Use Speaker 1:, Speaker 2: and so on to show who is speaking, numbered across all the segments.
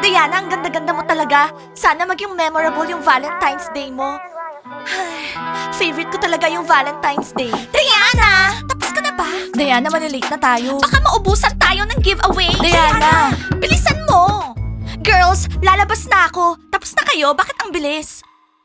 Speaker 1: Diana, ang ganda-ganda mo talaga. Sana maging memorable yung Valentine's Day mo. Favorite ko talaga yung Valentine's Day. Diana! Tapos ka na ba? Diana, malilate na tayo. Baka maubusan tayo ng giveaway. Diana! Bilisan mo! Girls, lalabas na ako. Tapos na kayo? Bakit ang bilis?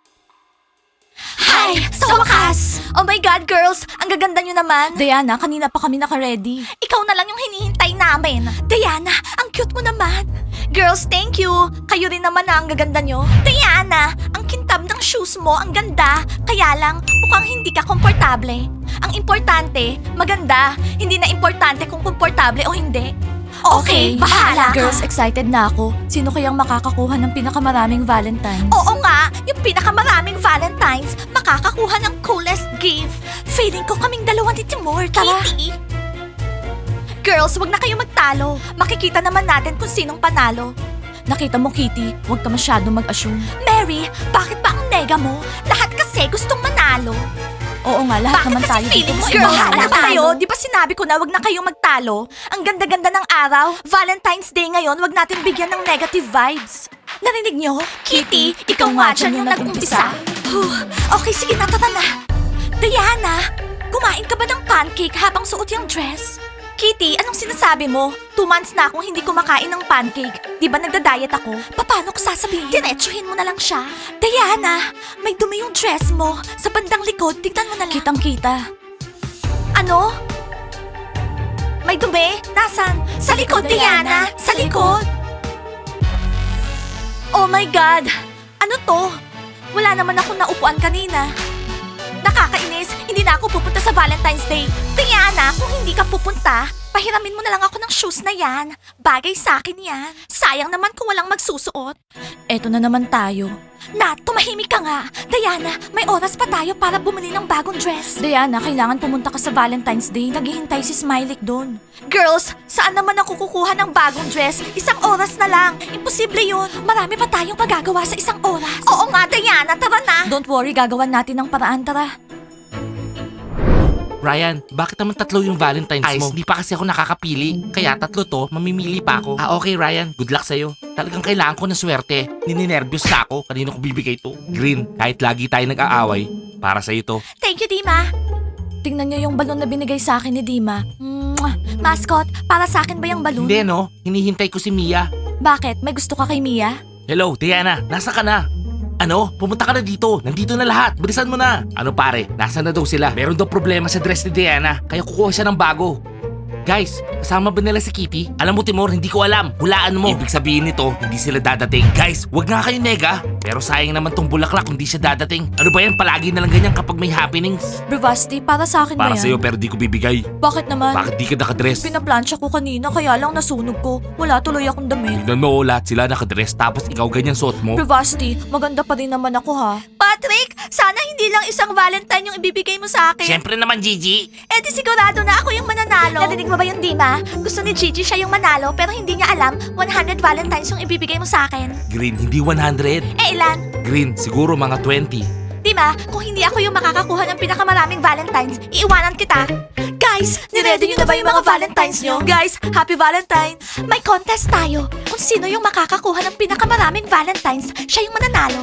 Speaker 1: Hi! Sa wakas! Oh my God, girls! Ang gaganda nyo naman. Diana, kanina pa kami naka-ready. Ikaw na lang yung hinihintay namin. Diana, ang cute mo naman. Girls, thank you. Kayo rin naman ang gaganda nyo. Diana, ang kintab ng shoes mo, ang ganda. Kaya lang, mukhang hindi ka komportable. Ang importante, maganda. Hindi na importante kung komportable o hindi. Okay, bahala ka.
Speaker 2: Girls, excited na ako. Sino kayang makakakuha ng pinakamaraming Valentines?
Speaker 1: Oo nga, yung pinakamaraming Valentines, makakakuha ng coolest gift. Feeling ko kaming dalawa ni Timur, tara. Kitty! Girls, wag na kayo magtalo. Makikita naman natin kung sinong panalo.
Speaker 2: Nakita mo, Kitty, huwag ka masyadong mag-assume.
Speaker 1: Mary, bakit ba ang nega mo? Lahat kasi gustong manalo.
Speaker 2: Oo nga, lahat
Speaker 1: Bakit
Speaker 2: naman
Speaker 1: kasi
Speaker 2: tayo dito.
Speaker 1: feeling mo,
Speaker 2: gusto
Speaker 1: girls,
Speaker 2: manalo.
Speaker 1: ano ba kayo? Di ba sinabi ko na wag na kayong magtalo? Ang ganda-ganda ng araw. Valentine's Day ngayon, wag natin bigyan ng negative vibes. Narinig nyo? Kitty, ikaw nga dyan yung nag-umpisa. Okay, sige na, tara na. Diana, kumain ka ba ng pancake habang suot yung dress? Kitty, anong sinasabi mo? 2 months na akong hindi kumakain ng pancake. Di ba nagda-diet ako? Paano ko sasabihin? Diretsuhin mo na lang siya. Diana, may dumi yung dress mo. Sa bandang likod, tignan mo na lang.
Speaker 2: Kitang-kita.
Speaker 1: Ano? May dumi? Nasaan? Sa likod, Diana! Sa likod! Oh my God! Ano to? Wala naman akong naupuan kanina. Nakakainis, hindi na ako pupunta sa Valentine's Day. Diana, kung hindi ka pupunta, pahiramin mo na lang ako ng shoes na yan. Bagay sa akin yan. Sayang naman kung walang magsusuot.
Speaker 2: Eto na naman tayo.
Speaker 1: Nat, tumahimik ka nga. Diana, may oras pa tayo para bumili ng bagong dress.
Speaker 2: Diana, kailangan pumunta ka sa Valentine's Day. Naghihintay si Smiley doon.
Speaker 1: Girls, saan naman ako kukuha ng bagong dress? 1 oras na lang. Imposible yun. Marami pa tayong magagawa sa 1 oras. Oo nga, Diana, tara na.
Speaker 2: Don't worry, gagawan natin ng paraan, tara.
Speaker 3: Ryan, bakit naman 3 yung Valentine's mo? Hindi pa kasi ako nakakapili. Kaya 3 to, mamimili pa ako. Okay Ryan, good luck sa'yo. Talagang kailangan ko ng swerte. Nininervyos na ako. Kanino ko bibigay to? Green, kahit lagi tayo nag-aaway, para sa'yo to.
Speaker 1: Thank you, Dima.
Speaker 2: Tingnan niyo yung balon na binigay sa akin ni Dima.
Speaker 1: Mwah! Mascot, para sa akin ba yung balloon?
Speaker 3: Hindi no, hinihintay ko si Mia.
Speaker 2: Bakit? May gusto ka kay Mia?
Speaker 3: Hello, Diana, nasa ka na? Ano? Pumunta ka na dito. Nandito na lahat. Bilisan mo na. Ano pare? Nasaan na daw sila? Meron daw problema sa dress ni Diana. Kaya kukuha siya ng bago. Guys, kasama ba nila si Kitty? Alam mo Timur, hindi ko alam. Hulaan mo. Ibig sabihin nito, hindi sila dadating. Guys, wag nga kayo nega. Pero sayang naman tong bulaklak kung di siya dadating. Ano ba yan? Palagi na lang ganyan kapag may happenings.
Speaker 2: Bravasti, para sa akin
Speaker 3: Para
Speaker 2: ba yan?
Speaker 3: sa'yo pero di ko bibigay.
Speaker 2: Bakit naman?
Speaker 3: Bakit di ka nakadress?
Speaker 2: Pinaplansya ko kanina kaya lang nasunog ko. Wala tuloy akong damit.
Speaker 3: Tignan mo, lahat sila nakadress tapos ikaw ganyan suot mo.
Speaker 2: Bravasti, maganda pa rin naman ako ha.
Speaker 1: Patrick, sana hindi lang isang Valentine yung ibibigay mo sa akin.
Speaker 3: Siyempre naman Gigi.
Speaker 1: Eh di sigurado na ako yung mananalo. Narinig mo ba yung Dima? Gusto ni Gigi siya yung manalo pero hindi niya alam 100 Valentines yung ibibigay mo sa akin.
Speaker 3: Green, hindi 100.
Speaker 1: Eh ilan?
Speaker 3: Green, siguro mga 20.
Speaker 1: Dima, kung hindi ako yung makakakuha ng pinakamaraming Valentines, iiwanan kita. Guys, niready nyo na ba yung mga Valentines nyo? Guys, Happy Valentines! May contest tayo. Kung sino yung makakakuha ng pinakamaraming Valentines, siya yung mananalo.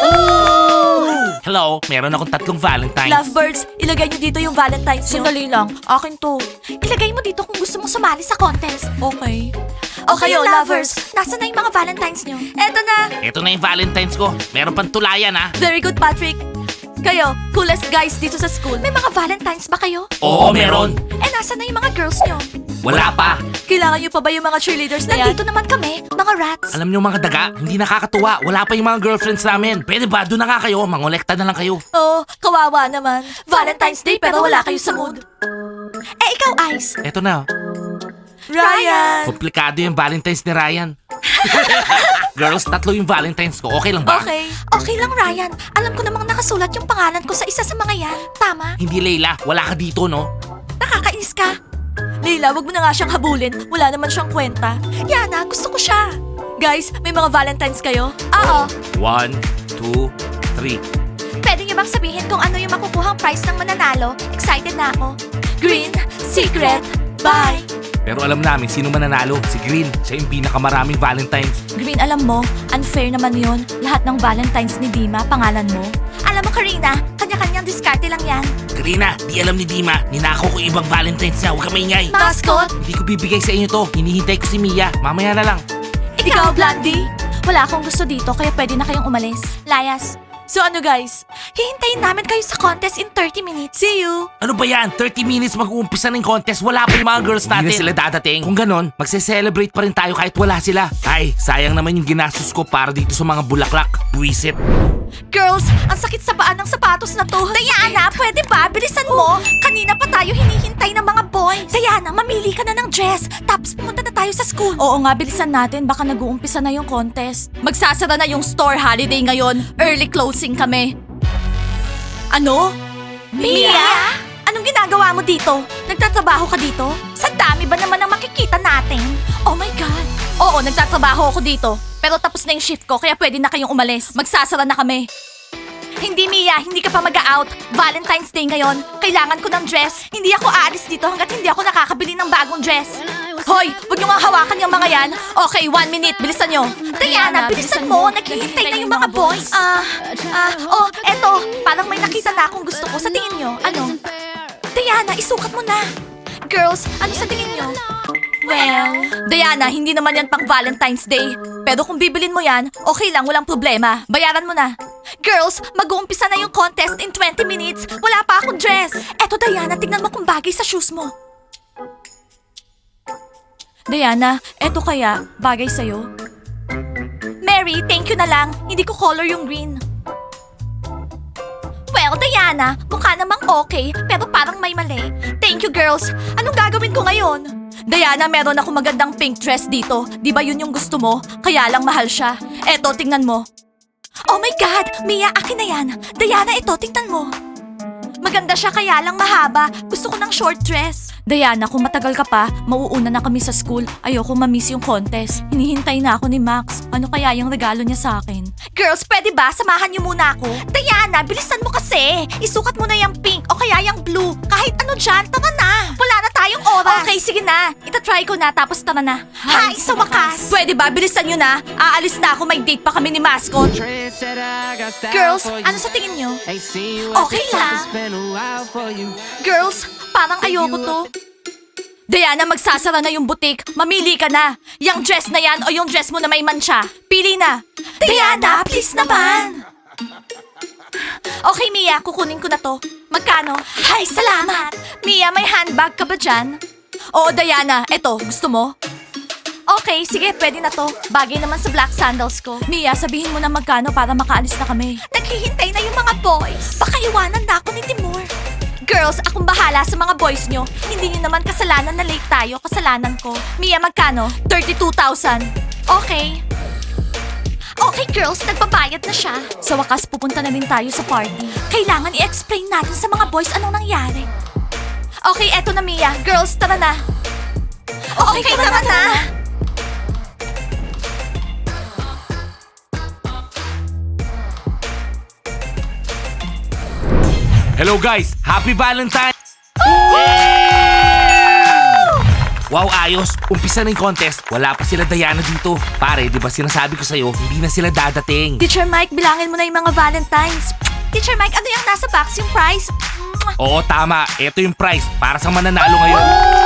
Speaker 3: Hello, meron akong 3 Valentines.
Speaker 1: Lovebirds, ilagay nyo dito yung Valentines nyo.
Speaker 2: Sandali lang, akin to.
Speaker 1: Ilagay mo dito kung gusto mong sumali sa contest.
Speaker 2: Okay.
Speaker 1: O kayo, lovers, nasa na yung mga Valentines nyo? Eto na!
Speaker 3: Ito na yung Valentines ko. Meron pang tulayan ha.
Speaker 1: Very good, Patrick. Kayo, coolest guys dito sa school. May mga Valentines ba kayo?
Speaker 3: Oo, meron.
Speaker 1: Eh, nasa na yung mga girls nyo?
Speaker 3: Wala pa.
Speaker 1: Kailangan nyo pa ba yung mga cheerleaders na yan? Nandito naman kami, mga rats.
Speaker 3: Alam niyo mga daga, hindi nakakatuwa. Wala pa yung mga girlfriends namin. Pwede ba? Doon na nga kayo. Mangolekta na lang kayo.
Speaker 1: Oh, kawawa naman. Valentine's Day pero wala kayo sa mood. Eh, ikaw, Ice.
Speaker 3: Eto na.
Speaker 1: Ryan!
Speaker 3: Komplikado yung Valentines ni Ryan. Girls, 3 yung Valentines ko. Okay lang ba?
Speaker 1: Okay. Okay lang, Ryan. Alam ko namang nakasulat yung pangalan ko sa isa sa mga yan. Tama?
Speaker 3: Hindi Leila, wala ka dito no?
Speaker 1: Nakakainis ka. Leila, wag mo na nga siyang habulin. Wala naman siyang kwenta. Yana, gusto ko siya. Guys, may mga Valentines kayo? Oo.
Speaker 3: 1, 2, 3.
Speaker 1: Pwede niyo bang sabihin kung ano yung makukuhang prize ng mananalo? Excited na ako. Green, secret, bye!
Speaker 3: Pero alam namin sino mananalo. Si Green. Siya yung pinakamaraming Valentines.
Speaker 2: Green, alam mo, unfair naman yun. Lahat ng Valentines ni Dima, pangalan mo.
Speaker 1: Alam mo, Karina, kanya-kanyang diskarte lang yan.
Speaker 3: Karina, di alam ni Dima. Ninako ko ibang Valentines niya. Huwag ka maingay.
Speaker 1: Mascot,
Speaker 3: Hindi ko bibigay sa inyo to. Hinihintay ko si Mia. Mamaya na lang.
Speaker 2: Ikaw, Blondie? Wala akong gusto dito, kaya pwede na kayong umalis.
Speaker 1: Layas.
Speaker 2: So ano guys?
Speaker 1: Hihintayin namin kayo sa contest in 30 minutes.
Speaker 2: See you!
Speaker 3: Ano ba yan? 30 minutes mag-uumpisa ng contest. Wala pa yung mga girls natin. Hindi na sila dadating. Kung ganon, magse-celebrate pa rin tayo kahit wala sila. Ay, sayang naman yung ginastos ko para dito sa mga bulaklak. Buisit.
Speaker 1: Girls, ang sakit sa paa ng sapatos na to. Diana, pwede ba? Bilisan mo. Kanina pa tayo hinihintay ng mga boys. Diana, mamili ka na ng dress. Tapos pumunta na tayo sa school.
Speaker 2: Oo nga, bilisan natin. Baka nag-uumpisa na yung contest.
Speaker 1: Magsasara na yung store holiday ngayon. Early closing kami. Ano? Mia? Anong ginagawa mo dito? Nagtatrabaho ka dito? Sa dami ba naman ang makikita natin? Oh my God! Oo, nagtatrabaho ako dito. Pero tapos na yung shift ko, kaya pwede na kayong umalis. Magsasara na kami. Hindi, Mia. Hindi ka pa mag-out. Valentine's Day ngayon. Kailangan ko ng dress. Hindi ako aalis dito hanggat hindi ako nakakabili ng bagong dress. Hoy, huwag niyo nga hawakan yung mga yan. Okay, 1 minute. Bilisan niyo. Diana, bilisan mo. Naghihintay na yung mga boys. Eto. Parang may nakita na akong gusto ko. Sa tingin niyo, ano? Diana, isukat mo na. Girls, ano sa tingin niyo? Well, Diana, hindi naman yan pang Valentine's Day. Pero kung bibilin mo yan, okay lang, walang problema. Bayaran mo na. Girls, mag-uumpisa na yung contest in 20 minutes. Wala pa akong dress. Eto, Diana, tignan mo kung bagay sa shoes mo.
Speaker 2: Diana, eto kaya, bagay sa'yo?
Speaker 1: Mary, thank you na lang. Hindi ko color yung green. Well, Diana, mukha namang okay, pero parang may mali. Thank you, girls. Anong gagawin ko ngayon? Diana, meron ako magandang pink dress dito. Di ba yun yung gusto mo? Kaya lang mahal siya. Eto, tingnan mo. Oh my God! Mia, akin na yan. Diana, ito, tingnan mo. Maganda siya kaya lang mahaba. Gusto ko ng short dress.
Speaker 2: Diana, kung matagal ka pa, mauuna na kami sa school. Ayoko ma-miss yung contest. Hinihintay na ako ni Max. Ano kaya yung regalo niya sa akin?
Speaker 1: Girls, pwede ba? Samahan niyo muna ako. Diana, bilisan mo kasi. Isukat mo na yung pink o kaya yung blue. Kahit ano dyan, tara na. Wala na tayong oras. Okay, sige na. Itatry ko na tapos tara na. Hi, sa wakas. Pwede ba? Bilisan niyo na. Aalis na ako. May date pa kami ni Mascot. Girls, ano sa tingin niyo? Okay lang. Girls, parang ayoko to. Diana, magsasara na yung butik. Mamili ka na. Yung dress na yan o yung dress mo na may mancha. Pili na. Diana, please naman. Okay, Mia, kukunin ko na to. Magkano? Ay, salamat. Mia, may handbag ka ba dyan? Oo, Diana, eto, gusto mo? Okay, sige, pwede na to. Bagay naman sa black sandals ko.
Speaker 2: Mia, sabihin mo na magkano para makaalis na kami.
Speaker 1: Naghihintay na yung mga boys. Baka iwanan na ako ni Timur. Girls, akong bahala sa mga boys nyo. Hindi nyo naman kasalanan na late tayo. Kasalanan ko. Mia, magkano? 32,000. Okay. Okay, girls, nagbabayad na siya.
Speaker 2: Sa wakas, pupunta na rin tayo sa party.
Speaker 1: Kailangan i-explain natin sa mga boys anong nangyari. Okay, eto na, Mia. Girls, tara na. Okay, tara na.
Speaker 3: Hello guys! Happy Valentine's! Wow, ayos! Umpisa na yung contest. Wala pa sila Diana dito. Pare, di ba sinasabi ko sa'yo, hindi na sila dadating.
Speaker 1: Teacher Mike, bilangin mo na yung mga Valentines. Teacher Mike, ano yung nasa box? Yung prize?
Speaker 3: Oo, tama. Ito yung prize para sa mananalo ngayon.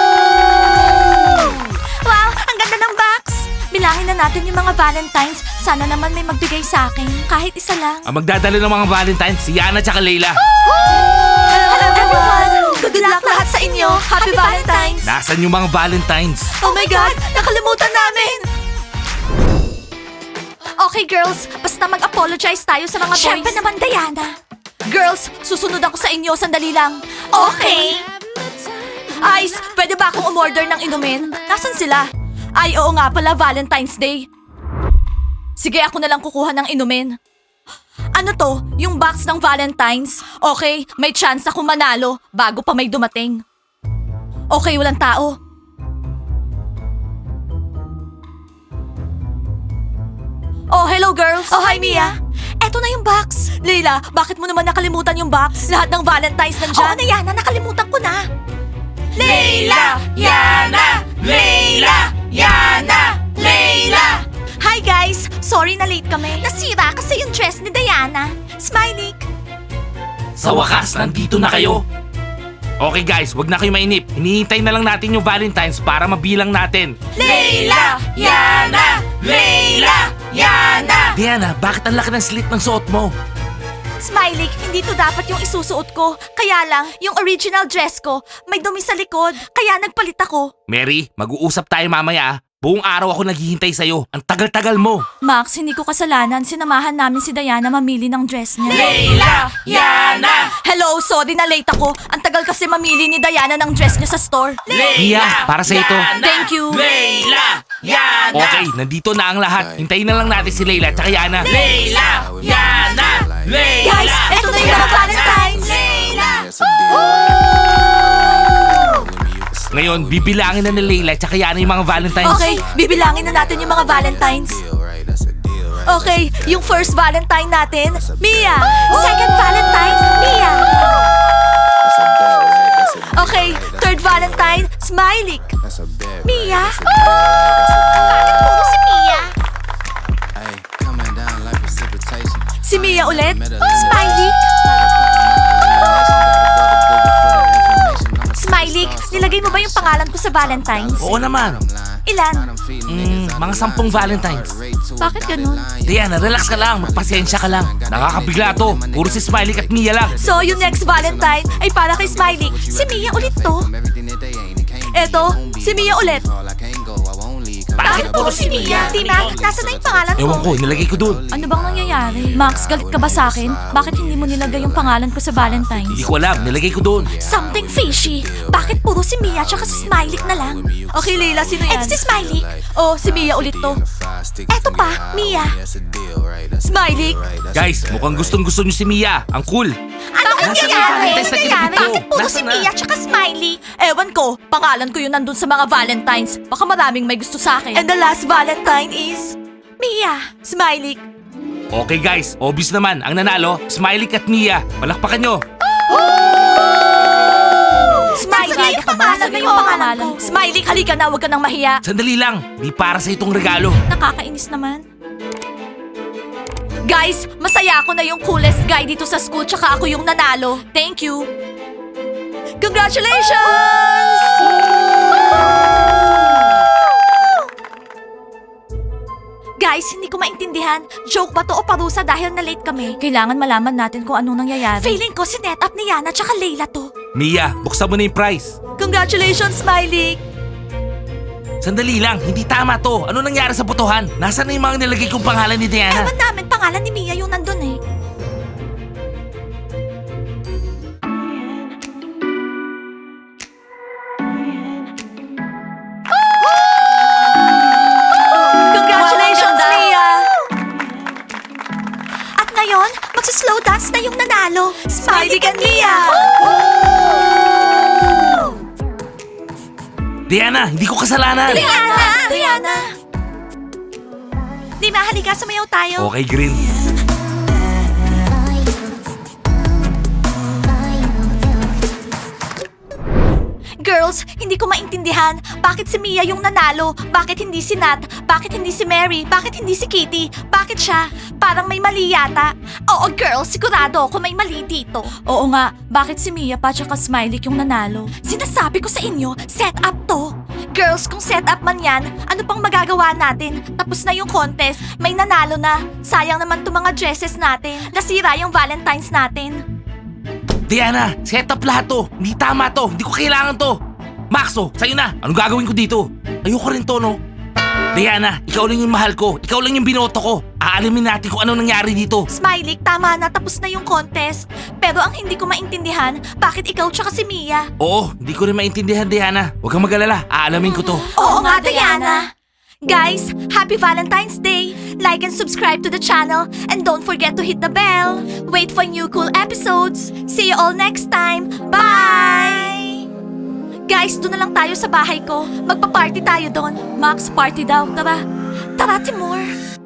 Speaker 1: Wow, ang ganda ng box. Bilangin na natin yung mga Valentines. Sana naman may magbigay sa akin. Kahit isa lang.
Speaker 3: Ang magdadala ng mga Valentines, si Yana tsaka Layla.
Speaker 1: Hello everyone! Good luck lahat sa inyo! Happy Valentine's!
Speaker 3: Nasaan yung mga Valentines?
Speaker 1: Oh my God! Nakalimutan namin! Okay girls, basta mag-apologize tayo sa mga boys. Siyempre naman, Diana. Girls, susunod ako sa inyo. Sandali lang. Okay. Ice, pwede ba akong umorder ng inumin? Nasaan sila? Ay, oo nga pala, Valentine's Day. Sige, ako na lang kukuha ng inumin. Ano to? Yung box ng Valentine's? Okay, may chance ako manalo bago pa may dumating. Okay, walang tao. Oh, hello girls! Oh, hi Mia! Eto na yung box! Leila, bakit mo naman nakalimutan yung box? Lahat ng Valentine's nandyan. Oo na yan, nakalimutan ko na. Layla, Yana, Layla, Yana, Layla. Hi guys! Sorry na late kami. Nasira kasi yung dress ni Diana. Smiley.
Speaker 3: Sa wakas, nandito na kayo. Okay guys, wag na kayo mainip. Hinihintay na lang natin yung Valentine's para mabilang natin.
Speaker 1: Layla, Yana, Layla, Yana.
Speaker 3: Diana, bakit ang laki ng slit ng suot mo?
Speaker 1: Smiley, hindi to dapat yung isusuot ko. Kaya lang, yung original dress ko, may dumi sa likod. Kaya nagpalit ako.
Speaker 3: Mary, mag-uusap tayo mamaya ah. Buong araw ako naghihintay sa'yo. Ang tagal-tagal mo.
Speaker 2: Max, hindi ko kasalanan. Sinamahan namin si Diana mamili ng dress niya.
Speaker 1: Layla, Yana. Hello, sorry na late ako. Ang tagal kasi mamili ni Diana ng dress niya sa store.
Speaker 3: Mia, para sa ito.
Speaker 2: Thank you.
Speaker 3: Layla, Yana. Okay, nandito na ang lahat. Hintayin na lang natin si Layla at Yana.
Speaker 1: Layla, Yana, Layla. Guys, eto na yung mga Valentine's. Layla.
Speaker 3: Ngayon, bibilangin na ni Layla at Yana yung mga Valentines.
Speaker 1: Okay, bibilangin na natin yung mga Valentines. Okay, yung first Valentine natin, Mia. Second Valentine, Mia. Okay, third Valentine, Smiley. Mia? Bakit puro si Mia? Si Mia ulit? Smiley? Smiley, nilagay mo ba yung pangalan ko sa Valentine's?
Speaker 3: Oo naman.
Speaker 1: Ilan?
Speaker 3: Mga 10 Valentines.
Speaker 2: Bakit ganun?
Speaker 3: Diana, relax ka lang. Magpasensya ka lang. Nakakabigla to. Puro si Smiley at Mia lang.
Speaker 1: So, yung next Valentine ay para kay Smiley. Si Mia ulit to. Eto, si Mia ulit. Bakit puro si Mia? Tina, nasa na yung pangalan ko?
Speaker 3: Ewan ko, nilagay ko dun.
Speaker 2: Ano bang nangyayari? Max, galit ka ba sa akin? Bakit hindi mo nilagay yung pangalan ko sa Valentine's?
Speaker 3: Hindi ko alam, nilagay ko dun.
Speaker 1: Something fishy. Bakit puro si Mia tsaka si Smiley na lang? Okay, Leila, sino yan? Eto si Smiley. Oh, si Mia ulit to. Eto pa, Mia. Smiley.
Speaker 3: Guys, mukhang gustong-gusto nyo si Mia. Ang cool.
Speaker 1: Ano
Speaker 3: Nasaan yung
Speaker 1: nangyayari?
Speaker 3: Valentine's na ginamit ko?
Speaker 1: Bakit puro si
Speaker 3: Nasaan na?
Speaker 1: Mia tsaka Smiley? Ewan ko, pangalan ko yun nandun sa mga Valentines. Baka maraming may gusto sa akin. And the last Valentine is... Mia. Smiley.
Speaker 3: Okay guys, obvious naman. Ang nanalo, Smiley at Mia. Palakpakan nyo.
Speaker 1: Smiley,
Speaker 2: Sigurado ka ba?
Speaker 1: pangalan na yung
Speaker 2: Sigurado
Speaker 1: pangalan
Speaker 2: ka.
Speaker 1: ko. Smiley, halika na, huwag ka nang mahiya.
Speaker 3: Sandali lang. Di para sa itong regalo.
Speaker 2: Nakakainis naman.
Speaker 1: Guys, masaya ako na yung coolest guy dito sa school tsaka ako yung nanalo. Thank you. Congratulations! Guys, hindi ko maintindihan. Joke ba to o parusa dahil na-late kami?
Speaker 2: Kailangan malaman natin kung anong nangyayari.
Speaker 1: Feeling ko sinet up ni Yana tsaka Layla to.
Speaker 3: Mia, buksan mo na yung prize.
Speaker 1: Congratulations, Smiley!
Speaker 3: Sandali lang, hindi tama to. Ano nangyari sa botohan? Nasaan na yung mga nilagay kong pangalan ni Diana?
Speaker 1: Ewan namin pangalan ni Mia yung nandun eh. Congratulations, Mia! At ngayon, magsa-slow dance na yung nanalo. Smiley and Mia!
Speaker 3: Diana, hindi ko kasalanan.
Speaker 1: Diana! Diana! Di halika, sumayaw tayo.
Speaker 3: Okay, Green.
Speaker 1: Girls, hindi ko maintindihan. Bakit si Mia yung nanalo? Bakit hindi si Nat? Bakit hindi si Mary? Bakit hindi si Kitty? Bakit siya? Parang may mali yata. Oo, girls, sigurado ako may mali dito.
Speaker 2: Oo nga, bakit si Mia pa tsaka Smiley yung nanalo?
Speaker 1: Sinasabi ko sa inyo, set up to. Girls, kung set up man yan, ano pang magagawa natin? Tapos na yung contest, may nanalo na. Sayang naman itong mga dresses natin. Nasira yung Valentine's natin.
Speaker 3: Diana, set up lahat to. Hindi tama to. Hindi ko kailangan to. Maxo, sa'yo na. Anong gagawin ko dito? Ayoko rin to, no? Diana, ikaw lang yung mahal ko. Ikaw lang yung binoto ko. Aalamin natin kung ano nangyari dito.
Speaker 1: Smiley, tama na, tapos na yung contest. Pero ang hindi ko maintindihan, bakit ikaw tsaka si Mia?
Speaker 3: Oo, hindi ko rin maintindihan, Diana. Huwag kang mag-alala. Aalamin ko to.
Speaker 1: Oo nga, Diana. Guys, happy Valentine's Day! Like and subscribe to the channel and don't forget to hit the bell. Wait for new cool episodes. See you all next time. Bye! Guys, doon na lang tayo sa bahay ko. Magpa-party tayo doon.
Speaker 2: Max, party daw, tara.
Speaker 1: Tara, Timur.